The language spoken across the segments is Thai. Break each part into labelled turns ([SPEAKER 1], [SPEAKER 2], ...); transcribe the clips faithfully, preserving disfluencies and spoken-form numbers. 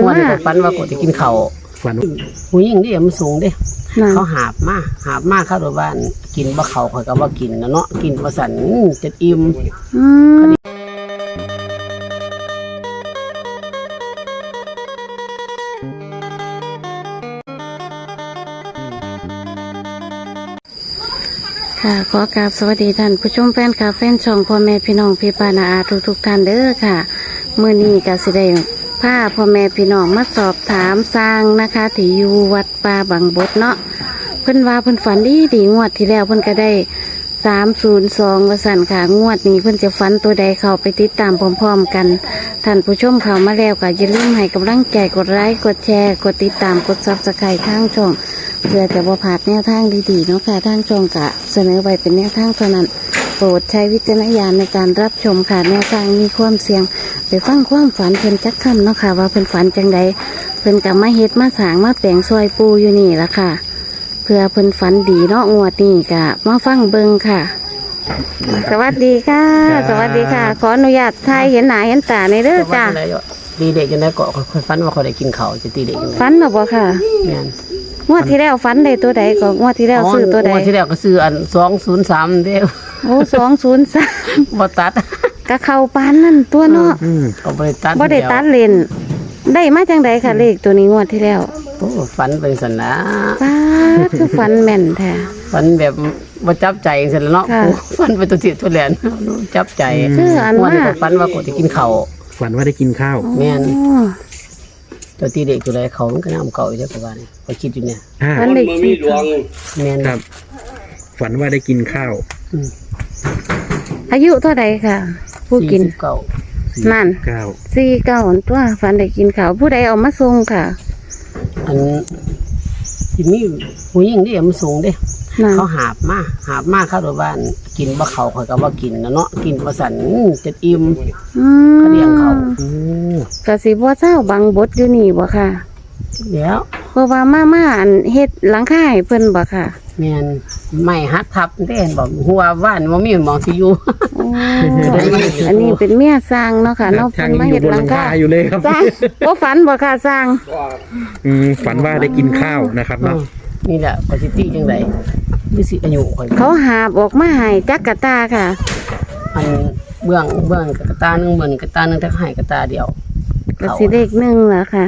[SPEAKER 1] มาฝันว่ากูจะกินข้าวฝันผู้หญิงนี่มันสูงเด้เขาหาบมาหาบมาเข้าตัวบ้านกินบ่เขาข่อยก็บ่กินนะเนาะกินบ่สั่นจะอิ่ม
[SPEAKER 2] ค่ะขอกราบสวัสดีท่านผู้ชมแฟนคลับแฟนช่องพ่อแม่พี่น้องพี่ป้านาอาทุกทุกท่านเด้อค่ะเมื่อนี้ก็สิได้พาพ่อแม่พี่น้องมาสอบถามสร้างนะคะที่อยู่วัดป่าบางบดเนาะเพิ่นว่าเพิ่นฝันดีดีงวดที่แล้วเพิ่นก็ได้สามศูนย์สองวสันค่ะงวดนี้เพิ่นจะฝันตัวใดเข้าไปติดตามพร้อมๆกันท่านผู้ชมเข้ามาแล้วก็อย่าลืมให้กำลังใจกดไลค์กดแชร์กดติดตามกดซับสไครต์ทางช่องเพื่อจะบ่พลาดแนวทางดีๆเนาะค่ะทางช่องกะเสนอไว้เป็นแนวทางเท่านั้นโปรดใช้วิจารณญาณในการรับชมค่ะแนวทางมีความเสี่ยงไปฟังความฝันเพิ่นจักคำเนาะค่ะว่าเพิ่นฝันจังใดเพิ่นกับมาเฮ็ดมาสางมาแปลงซอยปูอยู่นี่ละค่ะเพื่อเพิ่นฝันดีเนาะงวดนี้กะมาฟังเบิ่งค่ะสวัสดีค่ะสวัสดีค่ะขออนุญาตถ่ายเห็นหน้าเห็นตาในเด้อจ้า
[SPEAKER 1] ตีเด็กจนได้เกาะฝันว่าเขาได้กินข้าวจะตีเด็กยังไง
[SPEAKER 2] ฝันหรอบ่ค่ะงวดที่แล้วฝันได้ตัวใดก็งวดที่แล้วซื้อตัวใด
[SPEAKER 1] งวดที่แล้วก็ซื้ออันสองศูนย์สามเด้อ
[SPEAKER 2] โอ้สองศูนย์สาม
[SPEAKER 1] บ่ตัด
[SPEAKER 2] กะเข้าปานนั่นตัวเนาะ
[SPEAKER 1] ก็บ่ได้ตัด
[SPEAKER 2] บ่ได้ตัดเลนได้มาจังใดค่ะเลขตัวนี้งวดที่แล้ว
[SPEAKER 1] โอ้ฝันเป็นสันนะ
[SPEAKER 2] ป้าคือฝันแม่นแท้
[SPEAKER 1] ฝันแบบบ่จับใจจังซี่แหละเนาะฝันไปตัวจิตตัวแหลนจับใจ
[SPEAKER 2] คืออันว่า
[SPEAKER 1] ฝันว่ากูจะกินข้าว
[SPEAKER 3] ฝันว่าได้กินข้าว
[SPEAKER 1] แม่นตัวตีเด็กตัวใดเขามันก็น้ำเก่าอยู่เด้อประมาณนี้ไปคิดอยู่เนี่ย
[SPEAKER 2] ฝันเด็กสิ
[SPEAKER 1] แม่น
[SPEAKER 3] ครับฝันว่าได้กินข้าว
[SPEAKER 2] อายุเท่าใดค่ะผู้กิน
[SPEAKER 1] เก่า
[SPEAKER 2] นั่น
[SPEAKER 3] เก้า
[SPEAKER 2] สี่เก้าตัวฝันได้กินข้าวผู้ใดเอามาส่งค่ะ
[SPEAKER 1] อันที่มีผู้หญิงนี่มันสูงเด้เขาหาบมาหาบมาเข้าตัวบ้านกินบ่เขาข่อยก็บ่กินนะเนาะกินบ่สั่นจะอิ่มเขาเลี้ยงเขา
[SPEAKER 2] ก็สิบ่เจ้าบางบดอยู่นี่บ่ค่ะ
[SPEAKER 1] เดี๋ยว
[SPEAKER 2] เพราะว่ามาม่าอันเฮ็ดหลังคาให้เพิ่นบ่ค่ะ
[SPEAKER 1] แม่นไม่ฮัดทับเด้นบอกหัวบ้านบ่มีหมองสิอยู่
[SPEAKER 2] อันนี้เป็นเมียสร้างเนาะค่ะเนาะเพิ่นมาเฮ็ดหลังคา
[SPEAKER 3] อยู่เลยครับ
[SPEAKER 2] บ่ฝันบ่ค่ะสร้าง
[SPEAKER 3] อืมฝันว่าได้กินข้าวนะครับเนาะ
[SPEAKER 1] นี่แหละปกติจังไดมีสิอายุข่อย
[SPEAKER 2] เขาหาบออกมาให้จักกะตาค่ะ
[SPEAKER 1] อันเบื้องเบื้องกะตานึงเบิ่นกะตานึงถ้าให้กะตาเดียว
[SPEAKER 2] ก็สิเลขหนึ่งเหรอค่ะ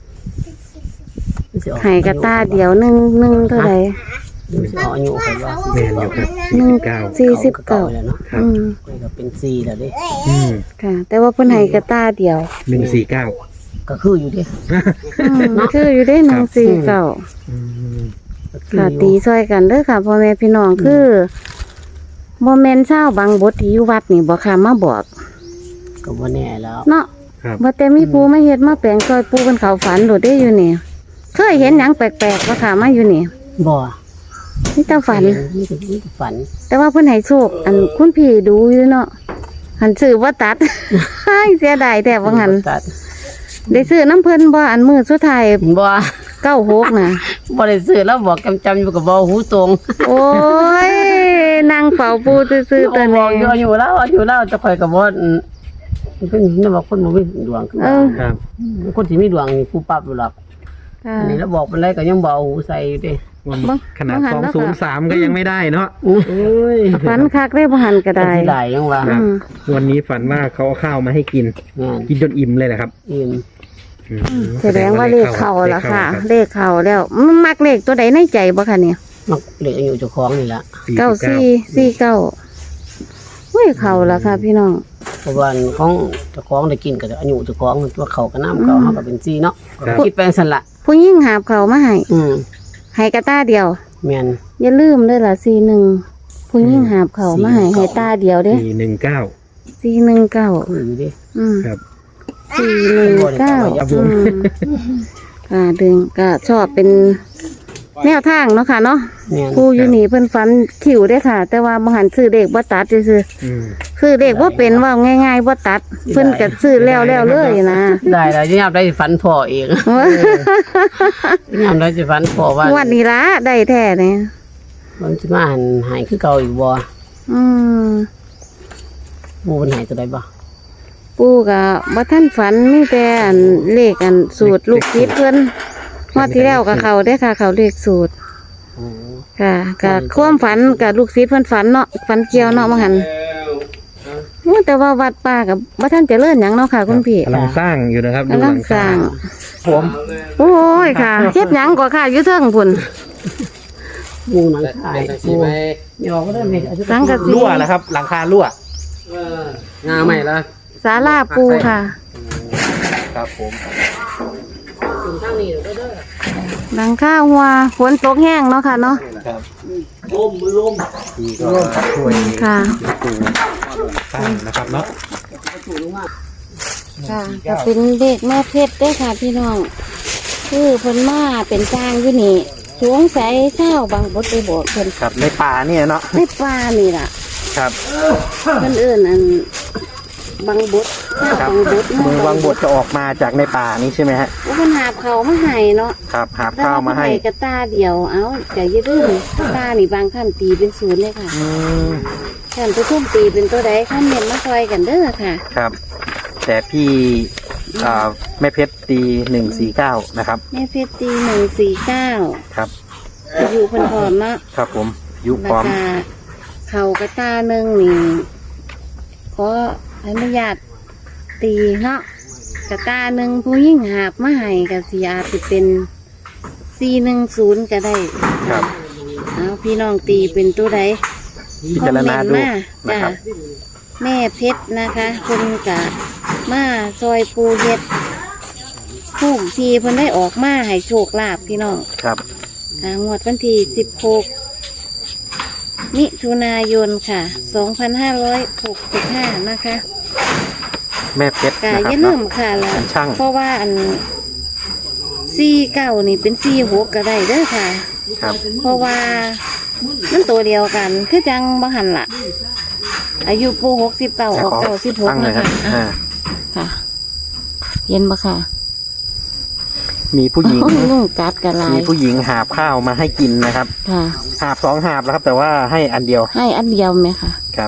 [SPEAKER 2] ให้กะตาเดียวหนึ่งหนึ่งเท่าไหร่
[SPEAKER 1] อายุข่อยว่า
[SPEAKER 3] แม่นอยู่ครับ
[SPEAKER 2] หนึ่งสี่สิบเก้า
[SPEAKER 1] แล้วเนาะครับก็เป็นสี่แล้วเด้
[SPEAKER 2] อืมค่ะแต่ว่าเพิ่นให้กะตาเดียว
[SPEAKER 3] หนึ่งสี่เก้า
[SPEAKER 1] ก็คืออยู่ดิ
[SPEAKER 2] คืออยู่ได้หนึ่งสี่เก้าค่ะตีซอยกันเด้อค่ะพ่อแม่พี่น้องคือโมเมนต์เช้าบางบทที่อยู่วัดนี่บอกค่ะมาบอก
[SPEAKER 1] ก็บ่แน่แล้ว
[SPEAKER 2] เนาะว่าแต่มีปูมาเฮ็ดมาแปลงซอยปูเป็นเขาฝันโดดได้อยู่นี่เคยเห็นหยังแปลกๆว่าค่ะมาอยู่นี่
[SPEAKER 1] บ่
[SPEAKER 2] นี่ตาฝัน
[SPEAKER 1] นี่ก็ฝัน
[SPEAKER 2] แต่ว่าเพิ่นให้โชคอันคุณพี่ดูอยู่เนาะหันซื้อว่าตัดเสียดายแต่ว่าหันได้ซื้อน้ำเพิ่นบ่อันมือสุดท้าย
[SPEAKER 1] บ่
[SPEAKER 2] เก้าหกนะ
[SPEAKER 1] บ่ได้ซื้อแล้วบอกจำจำอยู่กับบ่หูตรง
[SPEAKER 2] โอ้ยนางเฝ้าปูซื้อๆตัวนี้
[SPEAKER 1] อยู่อยู่แล้วอยู่แล้วจะคอยกับบ่มันเป็นนี่ว่าคนบ่มีดวงครับคนที่มีดวงนี่ผู้ปรับอยู่หรอกอันนี้แล้วบอกเป็นไรก็ยังบ่หูใส่อยู่ดิ
[SPEAKER 3] ขนาดสองศูนย์สามก็ยังไม่ได้เนาะ
[SPEAKER 2] ฝันคักได้บ่หันก็ได้
[SPEAKER 1] ได้ยังว่า
[SPEAKER 3] วันนี้ฝันว่าเขาเอาข้าวมาให้กินกินจนอิ่มเลยแหละครับ
[SPEAKER 1] อิ่ม
[SPEAKER 2] แสดงว่าเลขเข่าแล้วค่ะเลขเข่าแล้วมักเลขตัวใดในใจบ่คะเนี่ย
[SPEAKER 1] มักเลขอายุเจ้าของนี่ละ
[SPEAKER 2] เก้าสี่สี่เก้าเฮ้ยเข่าแล้วค่ะพี่น้อง
[SPEAKER 1] เพราะว่าของเจ้าของได้กินกับอายุเจ้าของตัวเข่ากับน้ำเก่าเขาก็เป็นสี่เนาะคิดแปลงสันละ
[SPEAKER 2] ผู้ยิ่งหาบเข่ามาให้ให้กระตาเดียว
[SPEAKER 1] แม่น
[SPEAKER 2] อย่าลืมด้วยล่ะสี่หนึ่งผู้ยิ่งหาบเข่ามาให้ให้ตาเดียวเด้
[SPEAKER 3] สี่หนึ่งเก้า
[SPEAKER 2] สี่หนึ่งเก้า
[SPEAKER 1] อยู่ดิ
[SPEAKER 2] อืม
[SPEAKER 3] ครับ
[SPEAKER 2] สี่หนึ่งเก้าอ่าดึงก็ชอบเป็นแนวทางเนาะค่ะเนาะผู้อยู่นี่เพิ่นฟันขิวได้ค่ะแต่ว่าบางหันซื้อเด็กบ่ตัดซื่อคือเด็กว่าเป็นว่าง่ายๆว่าตัดเพิ่นก็ซื้อแล้วแล้วเลยนะ
[SPEAKER 1] ได้แล้วยามได้ฝันพ่อเองยามได้สิฝันพ่อว่า
[SPEAKER 2] วันนี้ละได้แท้เนี่ย
[SPEAKER 1] มันสิมาหันหายคือเก่าอีกบ่
[SPEAKER 2] อืม
[SPEAKER 1] บูมันหายตัวใดบ่
[SPEAKER 2] ปู่ก็บ่ทันฝันมีแต่อันเลขอันสูตรลูกศิษย์เพิ่นงวดที่แล้วก็เข้าได้อค่ะ เข้าเลขสูตร
[SPEAKER 1] โอ้
[SPEAKER 2] ค่ะก็ความฝันกับลูกศิษย์เพิ่นฝันเนาะฝันเกี่ยวเนาะว่าหั่นโอ้แต่ว่าวัดป่าก็บ่ทันเจริญหยังเนาะค่ะคุณพี่
[SPEAKER 3] กำลังสร้างอยู่นะครับดู
[SPEAKER 2] กำ
[SPEAKER 3] ห
[SPEAKER 2] ลั
[SPEAKER 3] ลั
[SPEAKER 2] ง
[SPEAKER 3] ง
[SPEAKER 2] สร้าง
[SPEAKER 3] ผม
[SPEAKER 2] โอ้ยค่ะเฮ็ดหยังก็ค่ะอยู่เทิงพุ่น
[SPEAKER 1] มุงหนังขายโอ้ยอก็ได้ไหม
[SPEAKER 2] สังกะสี
[SPEAKER 3] รั่วแล้วครับ หลังคารั่ว
[SPEAKER 1] งาใหม่ละ
[SPEAKER 2] ศาลาปูค่ะ
[SPEAKER 3] ครับผม
[SPEAKER 1] ถึงข้างนี้เด้อ
[SPEAKER 2] หลังคาหัวฝนตกแห้งเนาะค่ะเนาะ
[SPEAKER 3] ครับ
[SPEAKER 1] ลมมือลม
[SPEAKER 3] ดีก็ช่วย
[SPEAKER 2] ค่ะ
[SPEAKER 3] ปูสร้างนะครับเนาะ
[SPEAKER 2] ค่ะก็เป็นเด็กแม่เพชรเด้อค่ะพี่น้องคือเพิ่นมาเป็นจ้างอยู่นี่สวงใสเช้าบางบดไปบอกเพิ่น
[SPEAKER 3] ครับในป่าเนี่ยเนาะ
[SPEAKER 2] ในป่านี่ล่ะ
[SPEAKER 3] ครับ
[SPEAKER 2] เพิ่นเอิ้นอันบางบดข้าว
[SPEAKER 3] ครับ
[SPEAKER 2] บางบด
[SPEAKER 3] มือวางบทจะออกมาจากในป่านี้ใช่ไหมฮะ
[SPEAKER 2] โอ้เพิ่นหาบเขามาให้เนาะ
[SPEAKER 3] ครับหาบข้าวมาให้
[SPEAKER 2] กระตาเดียวเอ้าแต่อย่าลืมกระตานี่บางท่านตีเป็นศูนย์เลยค่ะ
[SPEAKER 3] อืม
[SPEAKER 2] ท่านผู้ชมตีเป็นตัวใดคอมเมนต์มาซอยกันเด้อค่ะ
[SPEAKER 3] ครับ แต่พี่อ่าแม่เพชรตีหนึ่งสี่เก้านะครับ
[SPEAKER 2] แม่เพชรตีหนึ่งสี่เก้า
[SPEAKER 3] ครับ
[SPEAKER 2] อยู่เพิ่นพร้อมเนาะ
[SPEAKER 3] ครับผมยุค
[SPEAKER 2] รา
[SPEAKER 3] พร้อม
[SPEAKER 2] คาเขากระตาหนึ่งนี่ขออนุญาตตีเนาะกระตาหนึ่งผู้ยิ่งหาบมาให้กับสีอาจจะเป็นสี่หนึ่งศูนย์ก็ได้
[SPEAKER 3] ครับ
[SPEAKER 2] เอาพี่น้องตีเป็นตัวใด
[SPEAKER 3] พิจารณาดู
[SPEAKER 2] คอมเมนต์มา
[SPEAKER 3] นะ
[SPEAKER 2] จ้า
[SPEAKER 3] ครับ
[SPEAKER 2] แม่เพชรนะคะคนกะมาซอยปูเฮ็ดผูกทีเพิ่นได้ออกมาให้โชคลาภพี่น้อง
[SPEAKER 3] ครับ
[SPEAKER 2] ค่ะงวดวันที่สิบหกมิถุนายนค่ะสองพันห้าร้อยหกสิบห้านะคะ
[SPEAKER 3] แม่เพชร
[SPEAKER 2] กะ
[SPEAKER 3] นะค
[SPEAKER 2] อ
[SPEAKER 3] รับ
[SPEAKER 2] ย่าลืมค่ะละ
[SPEAKER 3] เป็นช่าง
[SPEAKER 2] เพราะว่าอันสี่เก้านี่เป็นสี่หกก็ได้เด้อค่ะ
[SPEAKER 3] ครับ
[SPEAKER 2] เพราะว่ามันตัวเดียวกัน คือจังบังหันละอายุปูหกสิบเก้าออกเก้าสิบหก
[SPEAKER 3] ตั้งเล
[SPEAKER 2] นะ
[SPEAKER 3] ยครับ
[SPEAKER 2] คะอ่ะ
[SPEAKER 3] อ่า
[SPEAKER 2] ค่ะ เย็นปะค่ะ
[SPEAKER 3] มีผู้หญิง
[SPEAKER 2] โอ้ยนุ่งกัดกันลาย
[SPEAKER 3] มีผู้หญิงหาบข้าวมาให้กินนะครับ
[SPEAKER 2] ค่ะ
[SPEAKER 3] หาบสองหาบแล้วครับ แต่ว่าให้อันเดียว
[SPEAKER 2] ให้อันเดียวไหมค่ะ
[SPEAKER 3] ครับ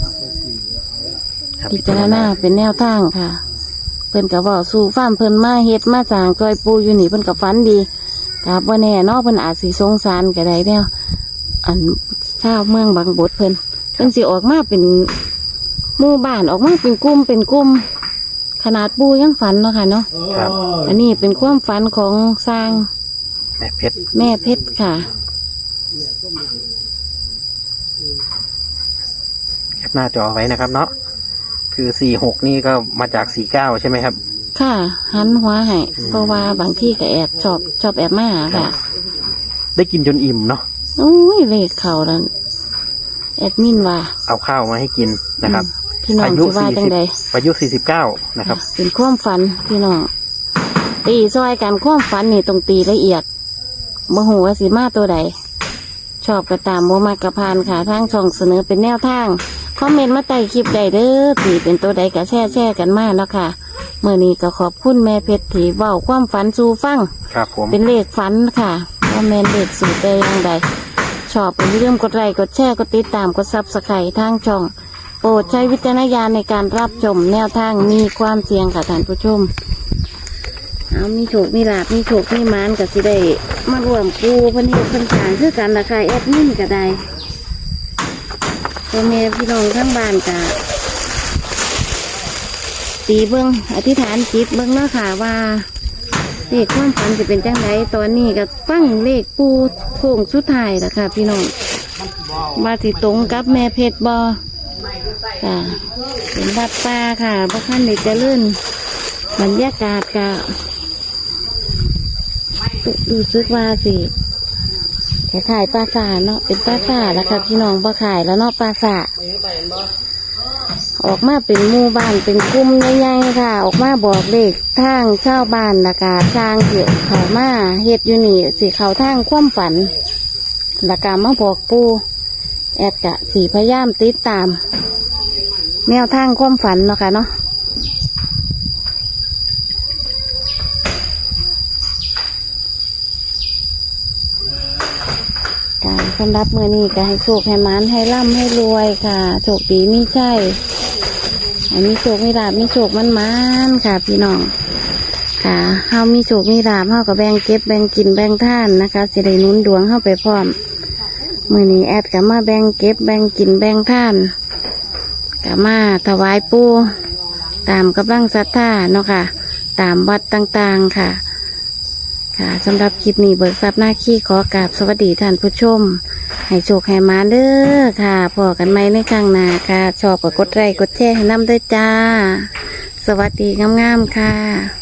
[SPEAKER 3] ครับ
[SPEAKER 2] พิจารณาเป็นแนวทางค่ะ เพิ่นกับว่าสู่ฟ้ามเพิ่นมาเฮ็ดมาจางจอยปูอยู่นี่เพิ่นกับฝันดีกับว่าแน่เนอกเพิ่นอาจสิสงสารก็ได้แนวอันชาวเมืองบางบดเพิ่นเพิ่นสิออกมาเป็นหมู่บ้านออกมาเป็นกลุ่มเป็นกลุ่มขนาดปูยังฝันเนาะค่ะเนาะ
[SPEAKER 3] ครับ
[SPEAKER 2] อันนี้เป็นความฝันของสร้าง
[SPEAKER 3] แม่เพชร
[SPEAKER 2] แม่เพชรค่ะ
[SPEAKER 3] แคปหน้าจอไว้นะครับ เนาะคือสี่หกนี่ก็มาจากสี่เก้าใช่ไหมครับ
[SPEAKER 2] ค่ะหันหัวให้เพราะว่าบางที่ก็แอบชอบชอบแอบมาหาค่ะ
[SPEAKER 3] ได้กินจนอิ่มเนาะ
[SPEAKER 2] โอ้ยเลขเขาแล้วแอดมินว่า
[SPEAKER 3] เอาข้าวมาให้กินนะครับ
[SPEAKER 2] พี่น้อง
[SPEAKER 3] อายุ
[SPEAKER 2] สิว่า
[SPEAKER 3] สี่
[SPEAKER 2] จัง
[SPEAKER 3] สิบ
[SPEAKER 2] ใด
[SPEAKER 3] อายุสี่สิบเก้านะครับ
[SPEAKER 2] เป็นความฝันพี่น้องตีซอยกันความฝันนี่ต้องตีละเอียดโมโหว่าสีมาตัวใด ชอบกระตามโมมากระพานค่ะทางช่องเสนอเป็นแนวทางคอมเมนต์มาใต้คลิปใดเด้อตีเป็นตัวใดก็แช่แช่กันมาเนาะค่ะเมื่อนี้ก็ขอบคุณแม่เพชรที่เว้าความฝันสู่ฟัง
[SPEAKER 3] ครับผม
[SPEAKER 2] เป็นเลขฝันค่ะว่าแมนเลขสูตรได้ยังใดชอบเป็นเรื่องกดไลค์กดแชร์กดติดตามกดซับสไครต์ทางช่อง โปรดใช้วิจารณญาณในการรับชมแนวทางมีความเสี่ยงค่ะท่านผู้ชม เอามีโชคมีลาบมีโชคมีหมานกับสิได้มารวมปูเพันเหตุเพันสางคือกันราคาแอดมินก็ได้ตัวแม่พี่น้องทั้งบ้านกะตีเบิ้งอธิษฐานจิตเบิ้งเนาะค่ะว่าเลขความฝันจะเป็นจังไดตอนนี้ก็ฟังเลขปูโค้งสุดท้ายแล้วค่ะ พี่น้องมาที่ตรงกับแม่เพชรบอค่ะเป็นวัดป่าค่ะพระท่านเด็กจะเลื่อนบรรยากาศกะดูซึกว่าสิขายขายปลาสาเนาะเป็นปลาสาแล้วค่ะพี่น้องบ่ขายแล้วเนาะปลาสาออกมาเป็นหมู่บ้านเป็นกลุ่มใหญ่ๆค่ะ ออกมาบอกเลขทางชาวบ้านละกาสร้างเกี่ยวเขามาเฮ็ดอยู่นี่สิเขาทางความฝันละกามาบอกปูแอดกะสีพยายามติดตาม แนวทางความฝันเนาะค่ะเนาะการสำหรับมือนี้ก็ให้โชคให้หมานให้ร่ำให้รวยค่ะโชคดีมีใช่อันนี้โชคมีลาบมีโชคมันมันๆค่ะ พี่น้องค่ะเฮามีโชคมีลาบเฮาก็แบ่งเก็บแบ่งกินแบ่งท่านนะคะสิได้หนุนดวงเฮาไปพร้อมมื้อนี้แอดก็มาแบ่งเก็บแบ่งกินแบ่งท่านก็มาถวายปู่ตามกำลังศรัทธาเนาะค่ะตามวัดต่างๆค่ะค่ะสำหรับคลิปนี้เบิกทรัพย์หน้าขี้ขอกราบสวัสดีท่านผู้ชมให้โชคให้มาเด้อค่ะพอกันไหมในครั้งหน้าค่ะชอบก็กดไลค์กดแชร์ให้นำด้วยจ้าสวัสดีงามๆค่ะ